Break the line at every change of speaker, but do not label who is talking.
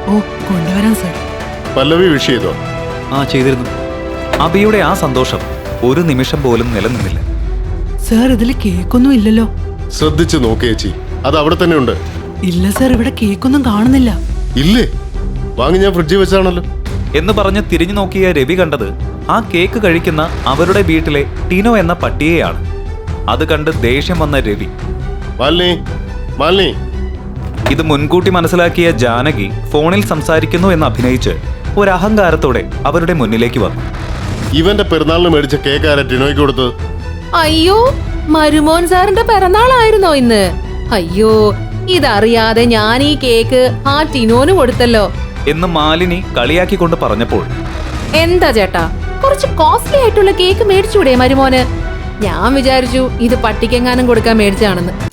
ഓ കൊണ്ടുവരാം സർ.
പല്ലവി വിഷ് ചെയ്തോ?
ചെയ്തിരുന്നു. അബിയുടെ ആ സന്തോഷം ഒരു നിമിഷം പോലും നിലനിന്നില്ല.
സർ ഇതിൽ കേക്കൊന്നും ഇല്ലല്ലോ.
ശ്രദ്ധിച്ചു നോക്കേ ചേച്ചി, അത് അവിടെ തന്നെ ഉണ്ട്.
ഇല്ല സർ, ഇവിടെ കേക്കൊന്നും കാണുന്നില്ല.
ഇല്ലേ? വാങ്ങി ഞാൻ ഫ്രിഡ്ജിൽ വെച്ചാണല്ലോ
എന്ന് പറഞ്ഞ് തിരിഞ്ഞു നോക്കിയ രവി കണ്ടത് ആ കേക്ക് കഴിക്കുന്ന അവരുടെ വീട്ടിലെ ടിനോ എന്ന പട്ടിയെയാണ്. അത് കണ്ട് ദേഷ്യം വന്ന രവി,
മാലിനി മാലിനി.
ഇത് മുൻകൂട്ടി മനസ്സിലാക്കിയ ജാനകി ഫോണിൽ സംസാരിക്കുന്നു എന്ന് അഭിനയിച്ച് ഒരു അഹങ്കാരത്തോടെ അവരുടെ മുന്നിലേക്ക് വന്നു.
ഇവന്റെ പെരുന്നാളിന് മേടിച്ച കേക്ക് ആരാ ടിനോയ്ക്ക് കൊടുത്തത്?
അയ്യോ, മരുമോൻ സാറിന്റെ പിറന്നാളായിരുന്നോ ഇന്ന്? അയ്യോ, ഇതറിയാതെ ഞാൻ ഈ കേക്ക് ആ ടിനോന് കൊടുത്തല്ലോ
എന്ന് മാലിനി കളിയാക്കിക്കൊണ്ട് പറഞ്ഞപ്പോൾ,
എന്താ ചേട്ടാ, കുറച്ച് കോസ്റ്റ്ലി ആയിട്ടുള്ള കേക്ക് മേടിച്ചൂടെ മരുമോന്? ഞാൻ വിചാരിച്ചു ഇത് പട്ടിക്കെങ്ങാനും കൊടുക്കാൻ മേടിച്ചാണെന്ന്.